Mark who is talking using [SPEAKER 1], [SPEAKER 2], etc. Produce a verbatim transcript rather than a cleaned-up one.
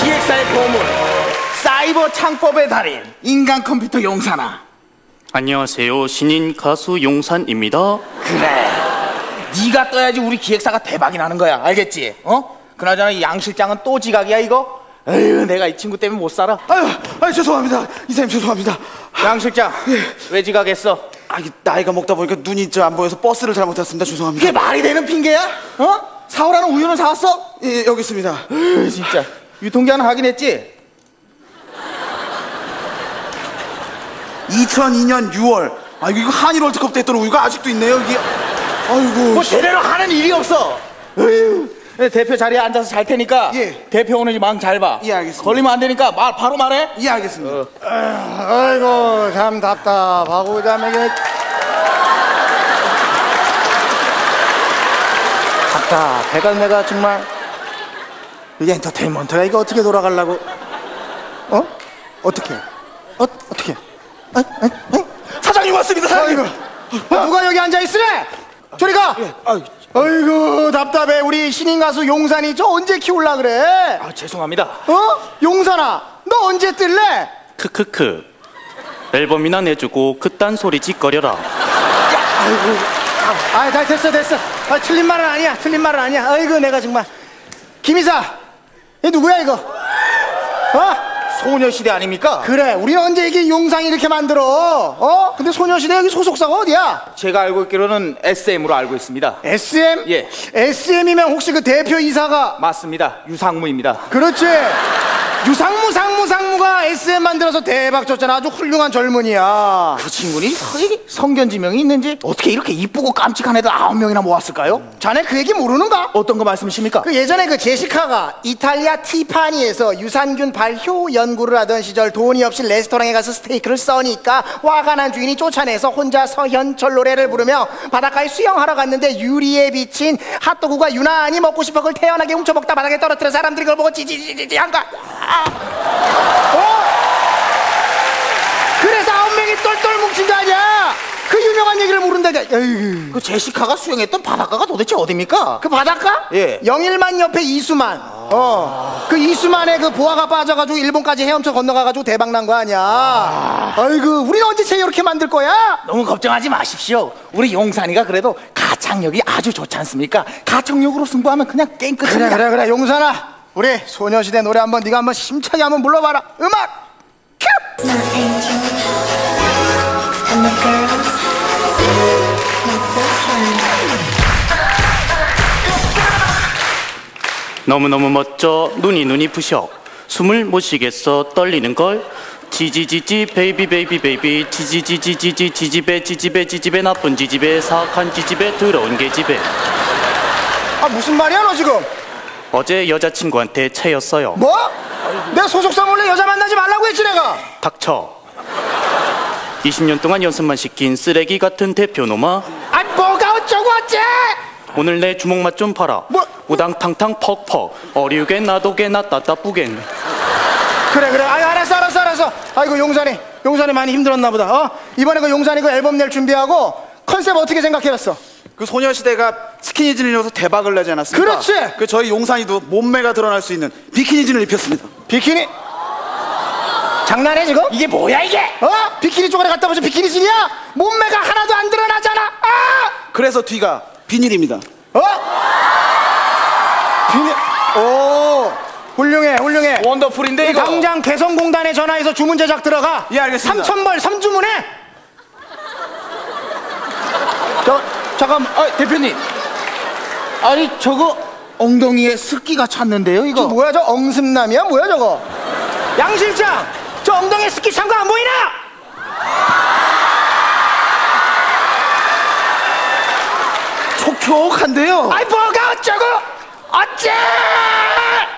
[SPEAKER 1] 기획사의 보물, 사이버 창법의 달인, 인간 컴퓨터 용산아.
[SPEAKER 2] 안녕하세요. 신인 가수 용산입니다.
[SPEAKER 1] 그래, 네가 떠야지 우리 기획사가 대박이 나는 거야. 알겠지? 어? 그나저나 이 양 실장은 또 지각이야 이거? 에휴, 내가 이 친구 때문에 못 살아.
[SPEAKER 3] 아유, 아유 죄송합니다. 이사님 죄송합니다.
[SPEAKER 1] 양 실장, 예. 왜 지각했어?
[SPEAKER 3] 아, 이게 나이가 먹다 보니까 눈이 저 안 보여서 버스를 잘못 탔습니다. 죄송합니다.
[SPEAKER 1] 그게 말이 되는 핑계야? 어? 사오라는 우유는 사왔어?
[SPEAKER 3] 예, 여기 있습니다.
[SPEAKER 1] 에휴, 진짜. 유통기한 확인했지?
[SPEAKER 3] 이천이 년 유월. 아, 이거 한일 월드컵 때 했던 우유가 아직도 있네요. 이게. 아이고.
[SPEAKER 1] 뭐 제대로 하는 일이 없어. 에휴. 대표 자리에 앉아서 잘 테니까
[SPEAKER 3] 예.
[SPEAKER 1] 대표 오는지 망 잘 봐.
[SPEAKER 3] 예, 알겠습니다.
[SPEAKER 1] 걸리면 안 되니까 말 바로 말해.
[SPEAKER 3] 예, 알겠습니다.
[SPEAKER 1] 어.
[SPEAKER 4] 아이고 참 답답하고 참 이게
[SPEAKER 1] 답답해가 내가 정말.
[SPEAKER 4] 이게 엔터테인먼트가 이거 어떻게 돌아가려고? 어? 어떻게? 어? 어떻게? 어? 어? 어?
[SPEAKER 3] 사장님 왔습니다, 사장님.
[SPEAKER 4] 어, 누가 여기 앉아 있으래? 저리 가.
[SPEAKER 3] 예. 아유,
[SPEAKER 4] 아이고 답답해. 우리 신인 가수 용산이 저 언제 키울라 그래?
[SPEAKER 1] 아, 죄송합니다.
[SPEAKER 4] 어? 용산아, 너 언제 뜰래?
[SPEAKER 2] 크크크. 앨범이나 내주고 그딴 소리 짓거려라.
[SPEAKER 4] 아이고, 아, 다 됐어, 됐어. 아, 틀린 말은 아니야, 틀린 말은 아니야. 아이고, 내가 정말. 김이사, 얘 누구야 이거? 어?
[SPEAKER 1] 소녀시대 아닙니까?
[SPEAKER 4] 그래, 우리는 언제 이게 용상이 이렇게 만들어? 어? 근데 소녀시대 여기 소속사가 어디야?
[SPEAKER 1] 제가 알고 있기로는 에스엠으로 알고 있습니다.
[SPEAKER 4] 에스엠?
[SPEAKER 1] 예.
[SPEAKER 4] 에스엠이면 혹시 그 대표 이사가?
[SPEAKER 1] 맞습니다. 유상무입니다.
[SPEAKER 4] 그렇지. 유상무, 상무, 상무가 에스엠 만들어서 대박 쳤잖아. 아주 훌륭한 젊은이야.
[SPEAKER 1] 그 친구니 성견지명이 있는지 어떻게 이렇게 이쁘고 깜찍한 애들 아홉 명이나 모았을까요?
[SPEAKER 4] 자네 그 얘기 모르는가?
[SPEAKER 1] 어떤 거 말씀이십니까?
[SPEAKER 4] 그 예전에 그 제시카가 이탈리아 티파니에서 유산균 발효 연구를 하던 시절 돈이 없이 레스토랑에 가서 스테이크를 써니까 화가 난 주인이 쫓아내서 혼자 서현철 노래를 부르며 바닷가에 수영하러 갔는데 유리에 비친 핫도그가 유난히 먹고 싶어 그걸 태연하게 훔쳐먹다 바닥에 떨어뜨려 사람들이 그걸 보고 지지지지지 한가. 어? 그래서 아홉 명이 똘똘 뭉친 거 아니야? 그 유명한 얘기를 모른다니까. 에휴.
[SPEAKER 1] 그 제시카가 수영했던 바닷가가 도대체 어딥니까?
[SPEAKER 4] 그 바닷가?
[SPEAKER 1] 예.
[SPEAKER 4] 영일만 옆에 이수만. 아. 어. 그 이수만의 그 보아가 빠져가지고 일본까지 헤엄쳐 건너가가지고 대박 난 거 아니야. 아. 아이고, 우리는 언제체 이렇게 만들 거야?
[SPEAKER 1] 너무 걱정하지 마십시오. 우리 용산이가 그래도 가창력이 아주 좋지 않습니까? 가창력으로 승부하면 그냥 게임 끝입니다.
[SPEAKER 4] 그래, 그래, 그래. 용산아. 우리 소녀시대 노래 한번 네가 한번 심차게 한번 불러봐라. 음악 큐!
[SPEAKER 5] My angel and the girls, my sunshine.
[SPEAKER 2] 너무너무 멋져. 눈이 눈이 부셔. 숨을 못 쉬겠어. 떨리는걸. 지지지지 베이비 베이비 베이비 지지지지지지 지지배 지지배 지지배 나쁜 지지배 사악한 지지배 더러운 개지배.
[SPEAKER 4] 아, 무슨 말이야 너 지금?
[SPEAKER 2] 어제 여자친구한테 채였어요.
[SPEAKER 4] 뭐? 내 소속사 몰래 여자 만나지 말라고 했지 내가.
[SPEAKER 2] 닥쳐. 이십 년 동안 연습만 시킨 쓰레기 같은 대표놈아.
[SPEAKER 4] 아, 뭐가 어쩌고 어째?
[SPEAKER 2] 오늘 내 주먹맛 좀 봐라.
[SPEAKER 4] 뭐?
[SPEAKER 2] 우당탕탕 퍽퍽 어리우게 나도게 나따따뿌겐.
[SPEAKER 4] 그래 그래. 아유, 알았어 알았어 알았어. 아이고 용산이 용산이 많이 힘들었나 보다. 어? 이번에 그 용산이 그 앨범 낼 준비하고 컨셉 어떻게 생각해봤어?
[SPEAKER 3] 그 소녀시대가 스키니진을 입어서 대박을 내지 않았습니까?
[SPEAKER 4] 그렇지.
[SPEAKER 3] 그 저희 용산이도 몸매가 드러날 수 있는 비키니진을 입혔습니다.
[SPEAKER 4] 비키니? 장난해 지금?
[SPEAKER 1] 이게 뭐야 이게?
[SPEAKER 4] 어? 비키니 쪽에 갔다 보자. 비키니진이야? 몸매가 하나도 안 드러나잖아. 아!
[SPEAKER 3] 그래서 뒤가 비닐입니다.
[SPEAKER 4] 어? 비니? 오, 훌륭해 훌륭해.
[SPEAKER 1] 원더풀인데 이거.
[SPEAKER 4] 당장 개성공단에 전화해서 주문 제작 들어가.
[SPEAKER 3] 예, 알겠습니다.
[SPEAKER 4] 삼천 벌 삼 주문해.
[SPEAKER 1] 저 잠깐만, 아, 대표님. 아니 저거 엉덩이에 습기가 찼는데요 이거.
[SPEAKER 4] 저 뭐야 저 엉슴남이야 뭐야 저거? 양 실장, 저 엉덩이에 습기 찬 거 안 보이나?
[SPEAKER 3] 촉촉한데요.
[SPEAKER 4] 아이 뭐가 어쩌고 어째?